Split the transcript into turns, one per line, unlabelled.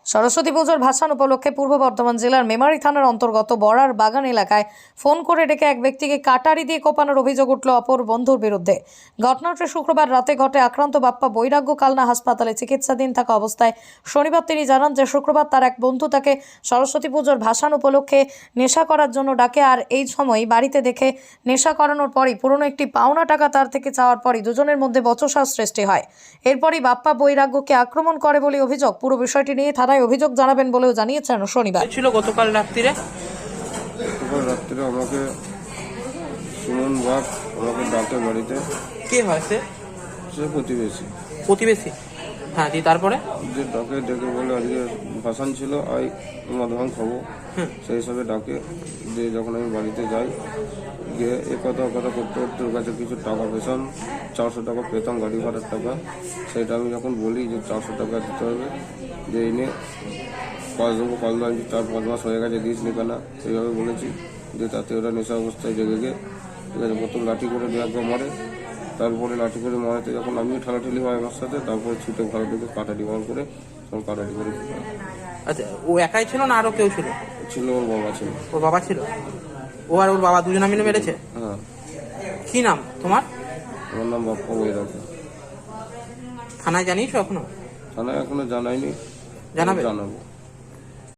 সরস্বতী পুজোর ভাসান উপলক্ষে পূর্ব বর্ধমান জেলার মেমারি থানার অন্তর্গত বড়ার বাগান এলাকায় ফোন করে ডেকে এক ব্যক্তিকে কাটারি দিয়ে কোপানোর অভিযোগ উঠল অপর বন্ধুর বিরুদ্ধে। ঘটনাটি শুক্রবার রাতে ঘটে। আক্রান্ত বাপ্পা বৈরাগ্য কালনা হাসপাতালে চিকিৎসাধীন থাকা অবস্থায় শনিবার তিনি জানান যে শুক্রবার তার এক বন্ধু তাকে সরস্বতী পুজোর ভাসান উপলক্ষে নেশা করার জন্য ডাকে, আর এই সময় বাড়িতে দেখে নেশা করানোর পরই পুরনো একটি পাওনা টাকা তার থেকে চাওয়ার পরই দুজনের মধ্যে বচসার সৃষ্টি হয়। এরপরই বাপ্পা বৈরাগ্যকে আক্রমণ করে বলে অভিযোগ। পুরো বিষয়টি নিয়ে থানায় অভিযোগ জানাবেন বলেও জানিয়েছেন শনিবার।
ছিল গতকাল রাত্রিরে
আমাকে সুমন বাপ আমাকে ডাকে বাড়িতে।
কে হয় সে?
সে
প্রতিবেশী। হ্যাঁ, দিয়ে তারপরে
যে ডাকে ডেকে বলে আজকে ভাসান ছিল, আই মধুবান খাবো, সেই হিসাবে ডাকে। যে যখন আমি বাড়িতে যাই, গিয়ে এ কথা করতে করতে ওর কাছে কিছু টাকা পেতাম, 400 টাকা পেতাম গাড়ি ভাড়ার টাকা। সেটা আমি যখন বলি যে 400 টাকা দিতে হবে, যে এনে কাজ দেবো, কাল আমি 4-5 মাস হয়ে গেছে দিস নি কেনা, সেইভাবে বলেছি। যে তাতে ওরা নেশা অবস্থায় জেগে গিয়ে ঠিক আছে প্রথম লাঠি করে দিয়ে একবার মারে। তারপরে লাঠি করে মারাতে যখন আমিও ঠেলাঠেলি হয় আমার সাথে, তারপরে ছুটে ঘরে ঢুকে কাটারি মার করে তখন কাটারি করে।
আচ্ছা, ও একাই ছিল না আরো কেউ ছিল?
ছিল, ওর বাবা ছিল।
ওর বাবা ছিল? ও আর ওর বাবা দুজনে মিলে মেরেছে?
হ্যাঁ।
কি নাম তোমার?
আমার নাম বাপ্পা বৈরাগ্য।
থানায় জানিয়েছো এখনো?
থানায় এখনো জানাইনি,
জানাবে?
জানাবো।